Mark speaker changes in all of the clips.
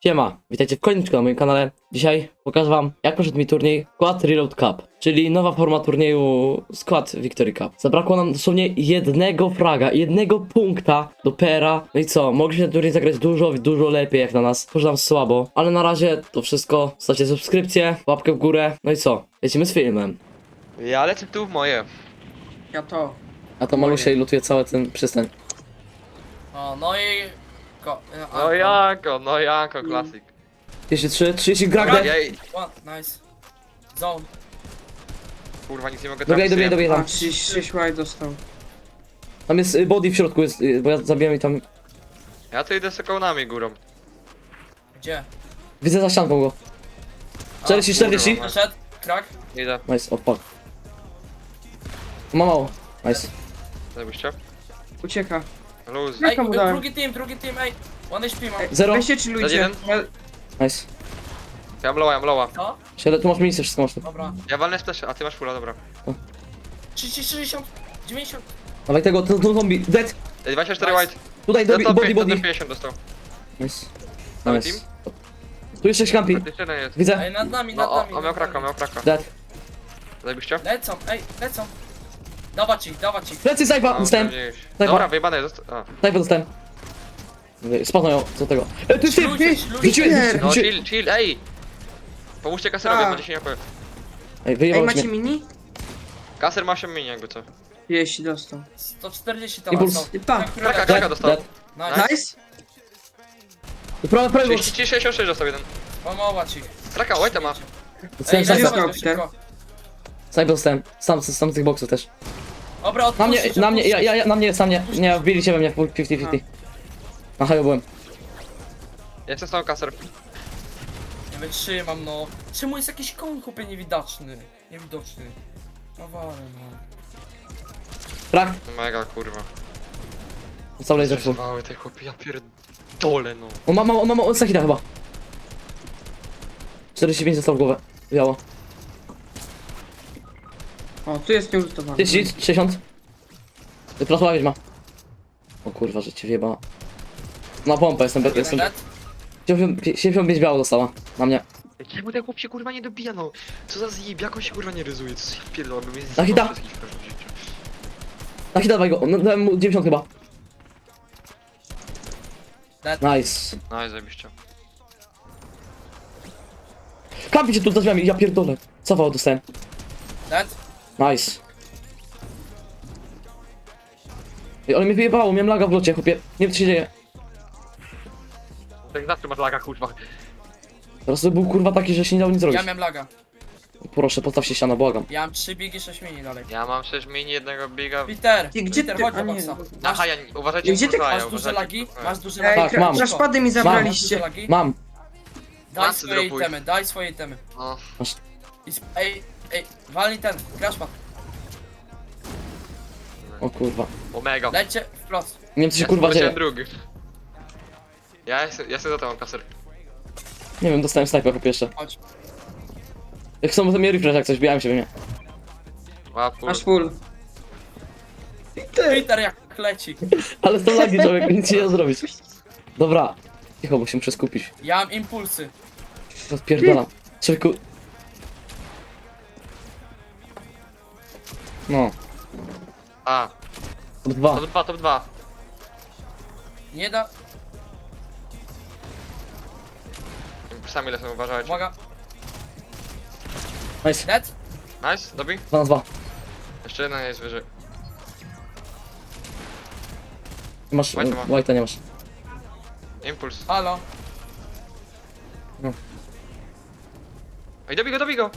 Speaker 1: Siema, witajcie w kolejnym odcinku na moim kanale. Dzisiaj pokażę wam, jak poszedł mi turniej Squad Reload Cup, czyli nowa forma turnieju Squad Victory Cup. Zabrakło nam dosłownie jednego fraga, jednego punkta do PR'a. No i co, mogliśmy ten turniej zagrać dużo lepiej jak na nas. Poszło nam słabo, ale na razie to wszystko. Zostawcie subskrypcję, łapkę w górę. No i co, lecimy z filmem.
Speaker 2: Ja lecę tu w moje.
Speaker 3: Ja to.
Speaker 1: A to Malusia i lutuje cały ten przystań.
Speaker 3: O, no i...
Speaker 2: No jako, klasik.
Speaker 1: 33, 30, Gragde.
Speaker 2: Jej,
Speaker 3: Nice. Zone.
Speaker 2: kurwa, nic nie mogę
Speaker 1: Dobijaj
Speaker 4: A,
Speaker 1: tam.
Speaker 4: 36 łaj dostał.
Speaker 1: Tam jest body w środku, jest, bo ja zabijam i tam...
Speaker 2: Ja tu idę z kołnami górą.
Speaker 3: Gdzie?
Speaker 1: Widzę za ścianką go. 40, 40.
Speaker 2: kurwa.
Speaker 3: Przed. Krak.
Speaker 2: Idę,
Speaker 1: Nice, odpad. Ma mało. Nice.
Speaker 2: zajebiście.
Speaker 4: Ucieka.
Speaker 2: Luz.
Speaker 4: Jak
Speaker 3: Ej,
Speaker 4: mu dałem?
Speaker 3: drugi team, ej. One HP mam.
Speaker 1: Zero.
Speaker 4: Weźcie czy ludzie.
Speaker 2: jeden?
Speaker 1: Nice.
Speaker 2: Ja mam lowa.
Speaker 3: Co?
Speaker 1: Siedem, tu masz miejsce, wszystko masz tu.
Speaker 3: Dobra.
Speaker 2: Ja walnę splash, a ty masz fulla, dobra.
Speaker 3: 30, 60, 90.
Speaker 1: Dawaj tego, to zombie. Dead.
Speaker 2: 24
Speaker 3: Nice.
Speaker 2: white.
Speaker 1: Tutaj, body.
Speaker 2: 50 dostał.
Speaker 1: Nice.
Speaker 2: Cały
Speaker 1: Nice.
Speaker 2: team?
Speaker 1: Tu jeszcze campi.
Speaker 2: Jeszcze jeden jest.
Speaker 1: Widzę.
Speaker 3: Ej, nad nami,
Speaker 2: No,
Speaker 3: nad nami.
Speaker 2: o miał kraka.
Speaker 1: Dead.
Speaker 2: Zajebiście?
Speaker 3: Lecą, ej, lecą. Dawać ich.
Speaker 1: Plecy, snajpa, dostałem.
Speaker 2: Dobra, wyjebane jest. A.
Speaker 1: Snajpa dostałem. Spadną ją, co tego. Tu jest typ.
Speaker 3: Ludzie.
Speaker 1: Rzuciłem.
Speaker 2: No chill, ej! Pomóżcie kaserowi,
Speaker 4: A.
Speaker 2: będzie się nie powie.
Speaker 1: Ej,
Speaker 4: Ej,
Speaker 1: wyjebałeś
Speaker 4: macie
Speaker 1: mnie.
Speaker 4: mini?
Speaker 2: Kaser ma 8 mini jakby co.
Speaker 4: 30 dostał.
Speaker 3: 140 tam
Speaker 1: Impuls.
Speaker 3: są.
Speaker 4: Pa.
Speaker 2: Kraka dostał.
Speaker 1: Dead.
Speaker 3: Nice.
Speaker 4: Nice.
Speaker 1: Prawo.
Speaker 2: 66 dostał jeden.
Speaker 3: Pomować ich.
Speaker 2: Kraka, white'a ma.
Speaker 1: Dostałem
Speaker 3: Ej,
Speaker 1: snajpa.
Speaker 4: dostał,
Speaker 3: dawać go
Speaker 4: Peter.
Speaker 3: szybko.
Speaker 1: Snajpa dostałem. Sam z tych boksów też.
Speaker 3: Dobra,
Speaker 1: Na mnie,
Speaker 3: odpuścić,
Speaker 1: na mnie,
Speaker 3: odpuścić.
Speaker 1: na mnie, sam nie. Nie, wbili się we mnie w 50-50. Na haju byłem.
Speaker 2: Ja jestem stał kaser.
Speaker 3: Nie wytrzymam, no. Czemu jest jakiś koń, chłopie, niewidoczny? Niewidoczny. No wale, no.
Speaker 1: Krak.
Speaker 2: Mega kurwa.
Speaker 1: Został laser full.
Speaker 2: Zerwały te chłopie, ja pierdolę no.
Speaker 1: On ma Sakita chyba. 45 został w głowę. Biało.
Speaker 4: O, tu jest nieultowany.
Speaker 1: 30, 60. Wyprasowała wiedźma. O kurwa, że cię wjebała. Na pompę jestem.
Speaker 3: Net?
Speaker 1: 75 biało dostała. Na mnie.
Speaker 2: Czemu ten chłop się kurwa nie dobija no? Co za zjeb, jak on się kurwa nie ryzuje, co się pierdolę, bym jest
Speaker 1: Na hita.
Speaker 2: wszystkich w każdym życiu.
Speaker 1: Na hita dawaj go. Dałem mu 90 chyba.
Speaker 3: Net.
Speaker 1: Nice.
Speaker 2: No i zajebiście.
Speaker 1: Kampi się tu za drzwiami. Ja pierdolę. Cofało dostałem.
Speaker 3: Net?
Speaker 1: Nice. Ej, ale mnie wyjebało. Miałem laga w locie, chłopie. Nie wiem co się dzieje.
Speaker 2: Tak zawsze masz laga kurwa.
Speaker 1: Teraz to był kurwa taki, że się nie dało nic zrobić.
Speaker 3: Ja miałem laga.
Speaker 1: Proszę, postaw się ściana, błagam.
Speaker 3: Ja mam 3 biegi, 6 mini dalej.
Speaker 2: Ja mam 6 mini, jednego biga.
Speaker 3: Peter!
Speaker 4: Ty, gdzie
Speaker 3: Peter,
Speaker 4: ty?
Speaker 3: chodź
Speaker 4: A
Speaker 3: do
Speaker 4: nie.
Speaker 3: boxa.
Speaker 2: Aha, ja uważajcie,
Speaker 4: Gdzie ty-
Speaker 2: kurwa,
Speaker 3: Masz duże
Speaker 2: uważajcie,
Speaker 3: lagi?
Speaker 2: kurwa.
Speaker 3: Masz duże
Speaker 4: Ej,
Speaker 3: lagi?
Speaker 1: Tak, mam.
Speaker 4: Kraszpady mi
Speaker 3: Masz duże
Speaker 4: zabraliście.
Speaker 3: lagi?
Speaker 1: Mam.
Speaker 3: Daj
Speaker 2: Masy
Speaker 3: swoje
Speaker 2: dropuj.
Speaker 3: itemy, daj swoje itemy.
Speaker 2: No.
Speaker 3: Ej, walnij ten, crashpad.
Speaker 1: O kurwa.
Speaker 2: Omega.
Speaker 3: Lecie wprost.
Speaker 1: Nie wiem co się
Speaker 2: Ja
Speaker 1: kurwa
Speaker 2: poleciałem
Speaker 1: dzieje.
Speaker 2: drugi. Ja sobie za to mam kaser.
Speaker 1: Nie wiem, dostałem snajper po pierwsze.
Speaker 3: Chodź.
Speaker 1: Jak są to mnie refresh jak coś, bijałem się we mnie.
Speaker 2: Łap,
Speaker 4: Masz full.
Speaker 3: Peter jak leci.
Speaker 1: Ale są lagi, człowiek, nic nie da zrobić. Dobra. Cicho, bo się muszę skupić.
Speaker 3: Ja mam impulsy.
Speaker 1: Odpierdalam. Człowieku. No.
Speaker 2: A,
Speaker 1: Top 2.
Speaker 2: top 2.
Speaker 3: Nie da...
Speaker 2: Sami lecą, uważajcie.
Speaker 3: Uwaga.
Speaker 1: Nice.
Speaker 3: Net?
Speaker 2: Nice, dobi.
Speaker 1: 2 na 2.
Speaker 2: Jeszcze jedna jest wyżej.
Speaker 1: Nie masz,
Speaker 2: White'a ma.
Speaker 1: white'a nie masz.
Speaker 2: Impuls.
Speaker 3: Halo.
Speaker 2: Ej, dobij go!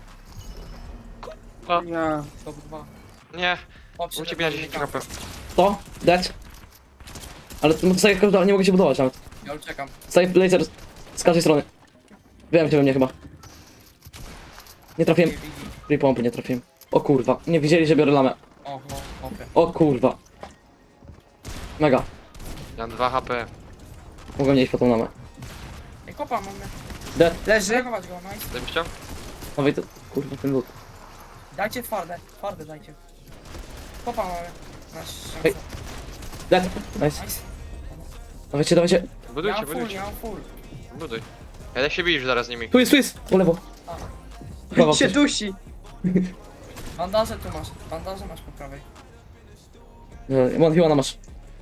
Speaker 4: Ja.
Speaker 3: Top 2.
Speaker 2: Nie,
Speaker 3: Chłop się
Speaker 2: u ciebie na 10
Speaker 3: tak-
Speaker 2: HP.
Speaker 1: To? Dead. Ale to tak nie mogę się budować nawet.
Speaker 3: Ja uciekam.
Speaker 1: Staję laser z każdej strony. Wiem cię we mnie chyba. Nie trafiłem. Free pompy nie trafiłem. O kurwa. Nie widzieli, że biorę lamę.
Speaker 3: Oho, okej.
Speaker 1: O kurwa. Mega.
Speaker 2: Ja mam 2 HP.
Speaker 1: Mogłem nie iść po tą lamę.
Speaker 3: Ej, kopa mamy.
Speaker 1: Dead.
Speaker 4: Leży.
Speaker 3: Zareagować go, nice.
Speaker 2: Zajebiście?
Speaker 1: Dawaj to. Kurwa ten lód.
Speaker 3: Dajcie twarde dajcie. Kopa mamy. Masz
Speaker 1: Ej.
Speaker 3: szansę.
Speaker 1: Dead. Nice.
Speaker 3: Nice.
Speaker 1: Dawajcie.
Speaker 2: Budujcie,
Speaker 3: Ja
Speaker 2: budujcie.
Speaker 3: mam full.
Speaker 2: Buduj. Ja się biję zaraz z nimi.
Speaker 1: Tu jest, po lewo. Chyba
Speaker 4: się
Speaker 1: coś.
Speaker 4: dusi.
Speaker 3: Bandaże tu masz, bandaże masz po prawej.
Speaker 1: Mon, chyba masz.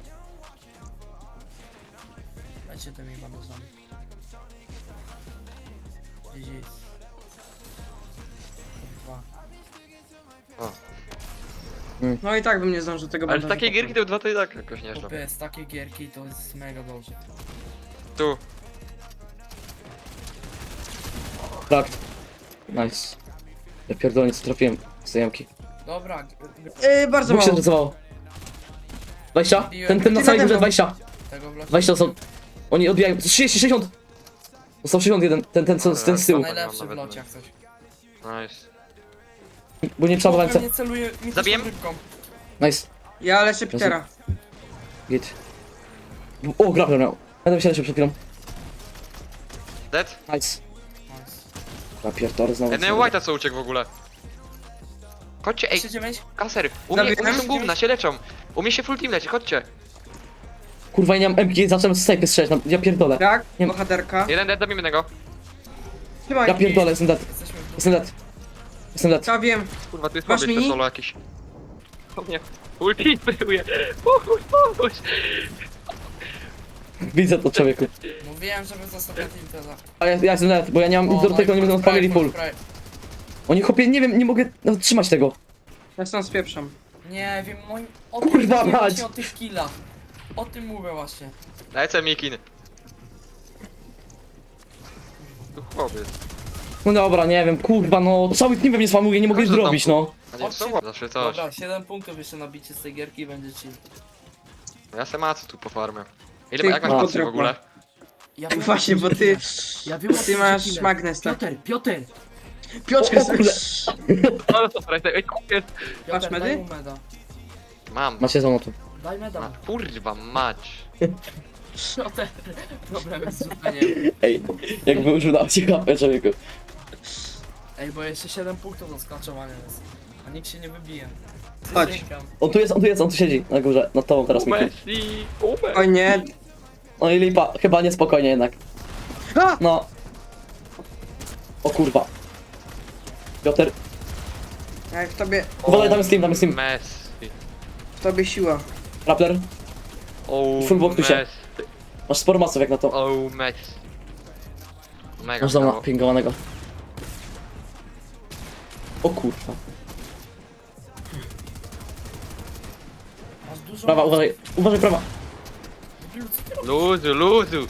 Speaker 3: Dajcie tymi bandażami. GG. Dwa.
Speaker 4: No i tak bym nie zdążył tego
Speaker 2: Ale w
Speaker 4: bandażu
Speaker 2: takiej gierki
Speaker 4: poprawić.
Speaker 2: to 2 to i tak jakoś nieźle.
Speaker 3: Chłopie, z takiej gierki to jest mega dobrze.
Speaker 2: Tu.
Speaker 1: Tak. Nice. Ja pierdolę, co trafiłem z tej jamki.
Speaker 3: Dobra,
Speaker 4: Bardzo
Speaker 1: Dwóch się
Speaker 4: mało.
Speaker 1: zrecowało. 20? Ten na całej górze 20.
Speaker 3: tego w locie.
Speaker 1: 20 są. Oni odbijają. 30, 60! Został 61, ten z tyłu.
Speaker 3: Najlepszy w locie jak coś.
Speaker 2: Nice.
Speaker 1: Bo nie przeładowałem
Speaker 3: Nie celuje mi
Speaker 2: Zabijem?
Speaker 3: rybką.
Speaker 1: Nice.
Speaker 4: Ja leczę Petera.
Speaker 1: Git. O, grapple miał. Będę się leczył przed chwilą.
Speaker 2: Dead?
Speaker 1: Nice.
Speaker 3: Nice.
Speaker 1: Ja pierdolę znowu.
Speaker 2: Jeden white'a co uciekł w ogóle. Chodźcie, ej,
Speaker 3: 39?
Speaker 2: kaser. U mnie
Speaker 4: Zabiłem?
Speaker 2: są gówna, się leczą. U mnie się full team leci, chodźcie.
Speaker 1: Kurwa, ja nie mam MG, zacząłem z snajpy strzelać. Ja pierdolę.
Speaker 4: Tak,
Speaker 1: Nie-
Speaker 4: bohaterka.
Speaker 2: Jeden dead, dobijmy tego.
Speaker 4: Trzymaj.
Speaker 1: Ja pierdolę, jestem dead.
Speaker 3: Jesteśmy w
Speaker 1: Jestem dead. Jestem dead.
Speaker 4: Ja wiem.
Speaker 2: Kurwa, tu jest
Speaker 4: Masz
Speaker 2: podejść
Speaker 4: mini?
Speaker 2: solo jakiś. O nie. Full team byłuje. Pomóż.
Speaker 1: Widzę to, człowieku.
Speaker 3: Mówiłem, żeby zostać na team teza.
Speaker 1: A ja jestem dead, bo ja nie mam do tego, nie będą spamili full. Oni chłopie, nie wiem, nie mogę nawet trzymać tego.
Speaker 4: Ja stąd spieprzam.
Speaker 3: Nie wiem, moim... O
Speaker 1: Kurwa
Speaker 3: tym mówię
Speaker 1: mać.
Speaker 3: właśnie, o tych killach. O tym mówię właśnie.
Speaker 2: Lecę Mikin. Tu chłopiec.
Speaker 1: No dobra, nie wiem, kurwa, no cały team we mnie spamuje, nie mogę nic
Speaker 2: Każdy tam
Speaker 1: zrobić, no.
Speaker 2: A nie, są zawsze coś.
Speaker 3: Dobra, 7 punktów jeszcze nabicie z tej gierki i będzie chill.
Speaker 2: Ja se macy tu po farmę.
Speaker 4: Ty,
Speaker 2: Jak masz
Speaker 1: a,
Speaker 2: macy w ogóle?
Speaker 3: Ja
Speaker 4: Tak właśnie, bo ty...
Speaker 3: Ja wiem, o
Speaker 4: Ty
Speaker 3: co
Speaker 4: masz
Speaker 3: killer.
Speaker 4: magnes, tak?
Speaker 3: Piotr!
Speaker 4: Piotrek,
Speaker 1: O kurde.
Speaker 2: No dobra, ej, kupiec.
Speaker 4: Masz
Speaker 3: Piotr,
Speaker 4: medy?
Speaker 3: daj mu meda.
Speaker 2: Mam.
Speaker 1: Macie za to.
Speaker 3: Daj meda.
Speaker 2: Kurwa mać.
Speaker 3: Piotr, problem jest z rzuceniem.
Speaker 1: Ej, jakby użył na HP, człowieku.
Speaker 3: Ej, bo jeszcze 7 punktów do skaczowania jest. A nikt się nie wybije.
Speaker 4: Chodź.
Speaker 3: Przysięgam.
Speaker 1: On tu siedzi na górze, nad tobą teraz, Miki.
Speaker 2: Messi, Uber.
Speaker 4: O nie.
Speaker 1: No i lipa, chyba niespokojnie jednak.
Speaker 4: A!
Speaker 1: No. O kurwa. Piotr,
Speaker 4: Jak w tobie...
Speaker 1: uważaj, tam jest team.
Speaker 2: Messi.
Speaker 4: W tobie siła.
Speaker 1: Rappler,
Speaker 2: O,
Speaker 1: Full box tu się.
Speaker 2: Messi.
Speaker 1: masz sporo masów jak na to.
Speaker 2: O, Messi. Mega
Speaker 1: Masz doma
Speaker 2: brawo.
Speaker 1: pingowanego. O kurwa.
Speaker 3: Masz dużo...
Speaker 1: Prawa, uważaj prawa.
Speaker 3: Debilu, co ty robisz?
Speaker 2: Luzu, luzu.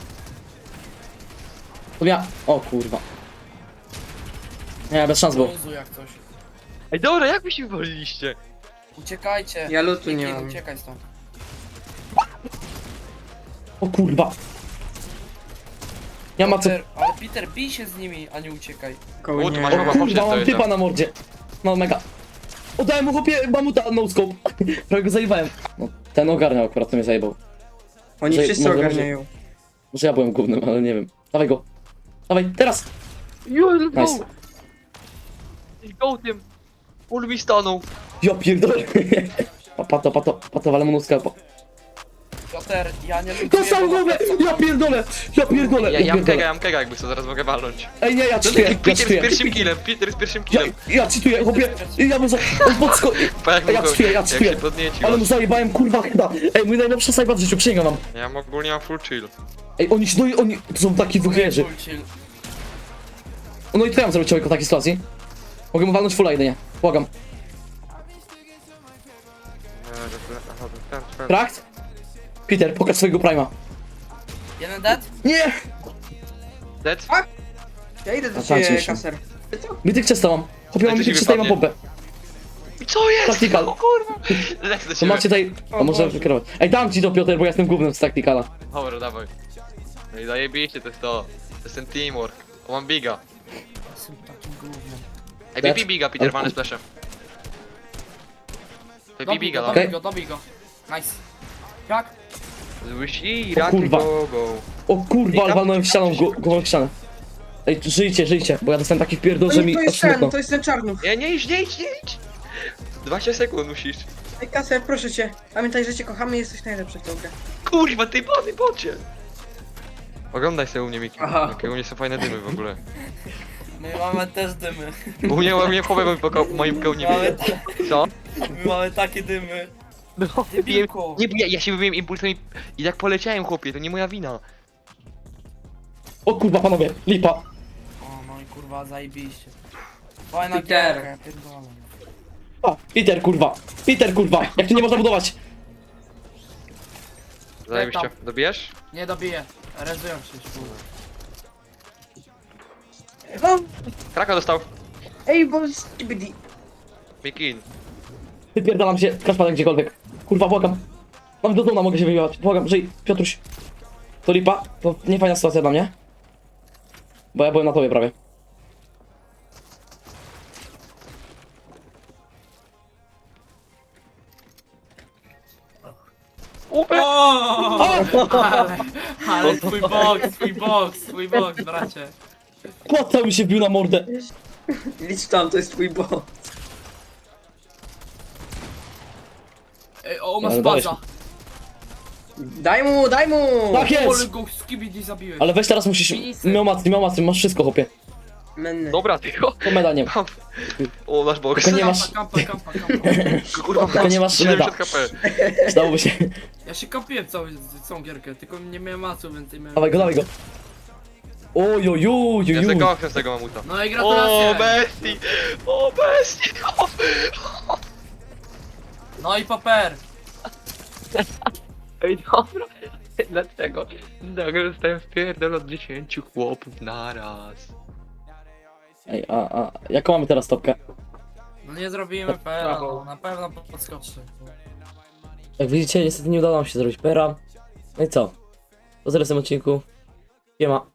Speaker 1: To ja. O kurwa. Nie, bez szans było.
Speaker 3: Luzu jak coś.
Speaker 2: Ej, dobra, jak wy się wywaliliście?
Speaker 3: Uciekajcie.
Speaker 4: Ja lutu nie
Speaker 3: Nikt
Speaker 4: mam.
Speaker 3: Uciekaj stąd.
Speaker 1: O kurwa. Ja ma co.
Speaker 3: Ale Peter, bij się z nimi, a nie uciekaj.
Speaker 4: Koło
Speaker 2: O, tu
Speaker 4: nie.
Speaker 2: masz
Speaker 1: O
Speaker 2: chyba
Speaker 1: kurwa,
Speaker 2: poszedł,
Speaker 1: mam
Speaker 2: to
Speaker 1: typa
Speaker 2: jest.
Speaker 1: na mordzie. No mega. Oddałem mu chłopie mamuta no scope. Prawie go zajebałem. No, ten ogarniał akurat, to mnie zajebał.
Speaker 4: Oni
Speaker 1: Może-
Speaker 4: wszyscy
Speaker 1: może-
Speaker 4: ogarniają.
Speaker 1: Może ja byłem głównym, ale nie wiem. Dawaj go. Dawaj, teraz.
Speaker 2: Let's
Speaker 1: Nice.
Speaker 2: go. Let's go tym. Ul mi stanął.
Speaker 1: Ja pierdolę. Pato, ale mu skalpo.
Speaker 3: Piotr, ja nie lubię...
Speaker 1: Dostał głowę! Ja pierdolę!
Speaker 2: Ja mam kega jakby co, zaraz mogę walnąć.
Speaker 1: Ej, nie, ja
Speaker 2: Peter
Speaker 1: czytuję.
Speaker 2: z pierwszym killem, Peter z pierwszym killem.
Speaker 1: Ja czytuję, chłopie. Ja mu za... On podsko...
Speaker 2: Pa, jak
Speaker 1: Ja
Speaker 2: mu go-
Speaker 1: czytuję.
Speaker 2: Jak się podniecił.
Speaker 1: Ale mu zajebałem, kurwa, chyba. Ej, mój najlepszy sajba w życiu, przysięgam wam.
Speaker 2: Ja ogólnie mam full chill.
Speaker 1: Ej, oni... To są taki dwuchlerzy.
Speaker 3: Full chill.
Speaker 1: No i co ja mam zrobić człowieku w takiej sytuacji? Mogę mu walnąć fulla jedynie. Błagam. Trakt? Peter, pokaż swojego prima.
Speaker 3: Jeden dead?
Speaker 1: Nie!
Speaker 2: Dead?
Speaker 4: Ja idę do
Speaker 1: Zastancie
Speaker 4: ciebie,
Speaker 1: się.
Speaker 4: kaser.
Speaker 1: Mytyk czysta mam. Chłopie, mam
Speaker 2: Ej, to
Speaker 1: mytyk
Speaker 2: ci
Speaker 1: czysta i mam
Speaker 2: wypadnie.
Speaker 1: bombę.
Speaker 2: Co jest?
Speaker 1: Tactical.
Speaker 2: O kurwa. Lecę do
Speaker 1: To
Speaker 2: ciebie.
Speaker 1: macie tutaj...
Speaker 4: O
Speaker 1: O, może
Speaker 4: Boże.
Speaker 1: wykierować. Ej, dam ci to, Piotr, bo ja jestem głównym z Tacticala.
Speaker 2: Dobra, dawaj. No i zajebiście, to jest to. To jest ten teamwork. O, mam biga.
Speaker 3: Jestem takim gównem.
Speaker 2: Ej,
Speaker 1: Dead?
Speaker 2: BP biga, Peter, walny splashem. BP biga, no.
Speaker 1: Okej.
Speaker 3: Dobij go. Nice. Jak?
Speaker 2: Złysi,
Speaker 1: O
Speaker 2: rakie
Speaker 1: kurwa.
Speaker 2: go, go.
Speaker 1: O kurwa, ale walnąłem w ścianą, głową w ścianę. Ej, żyjcie, bo ja dostałem taki wpierdol, że mi
Speaker 4: To
Speaker 1: aż
Speaker 4: jest
Speaker 1: smutno.
Speaker 4: ten, to jest ten czarnów.
Speaker 2: Nie idź. 20 sekund musisz.
Speaker 4: Ej, kaser, proszę cię. Pamiętaj, że cię kochamy i jesteś najlepszy w tą grę.
Speaker 2: Kurwa, ty bocie. Oglądaj sobie u mnie, Miki.
Speaker 4: Aha.
Speaker 2: Jakie u mnie są fajne dymy w ogóle.
Speaker 3: My mamy też dymy.
Speaker 2: U mnie chłopie po moim pełni.
Speaker 3: Mamy,
Speaker 2: Co?
Speaker 3: my mamy takie dymy.
Speaker 2: No,
Speaker 3: Debilko.
Speaker 2: nie, bo ja się wybiłem impulsem i tak poleciałem, chłopie, to nie moja wina.
Speaker 1: O kurwa, panowie, lipa.
Speaker 3: O, no i kurwa, zajebiście. Fajna
Speaker 4: Peter.
Speaker 3: gierka, ja pierdolę.
Speaker 1: A, Peter, kurwa, jak tu nie można budować?
Speaker 2: Zajebiście. Dobijesz?
Speaker 3: Nie dobiję. Rezują się, kurwa.
Speaker 4: O,
Speaker 2: Kraka dostał.
Speaker 4: ej, bo skibidi.
Speaker 2: Mikin.
Speaker 1: Wypierdalam się, kraszpadek gdziekolwiek. Kurwa, błagam. Mam do zona, mogę się wyjebać. Błagam, żyj, Piotruś. To lipa, to niefajna sytuacja dla mnie. Bo ja byłem na tobie prawie.
Speaker 3: Ale twój box, bracie.
Speaker 1: Płata mi się wbił na mordę.
Speaker 4: Licz tam, to jest twój bo.
Speaker 3: Ej, o, ma
Speaker 1: Ale dałeś
Speaker 3: spaza.
Speaker 4: Daj mu, daj mu!
Speaker 1: Tak
Speaker 3: Ale
Speaker 1: jest!
Speaker 3: go skibidi zabiłeś.
Speaker 1: Ale weź teraz musisz... Miał macy, masz wszystko, chłopie.
Speaker 4: Menny.
Speaker 2: Dobra, tylko.
Speaker 1: To meda nie ma.
Speaker 2: O, nasz box.
Speaker 1: Tylko nie masz...
Speaker 3: Kampa.
Speaker 2: Kurwa,
Speaker 1: Tylko nie masz
Speaker 2: 70
Speaker 1: meda.
Speaker 2: HP.
Speaker 1: Przydałoby się.
Speaker 3: Ja się kampiłem całą gierkę, tylko nie miałem macu, więc nie miałem...
Speaker 1: Dawaj go. Ojojujujuj.
Speaker 2: Ja sobie kocham z tego mamuta.
Speaker 3: No i
Speaker 2: O,
Speaker 3: gratulacje!
Speaker 2: bestii! O, bestii!
Speaker 3: No i paper!
Speaker 2: Ej, dobra. Dlaczego? Nagle zostałem wpierdol od 10 chłopów naraz.
Speaker 1: Ej, a jaką mamy teraz stopkę?
Speaker 3: No nie zrobimy pera, no na pewno podskoczy.
Speaker 1: Jak widzicie, niestety nie udało nam się zrobić pera. No i co? Po zaraz w tym odcinku. Siema.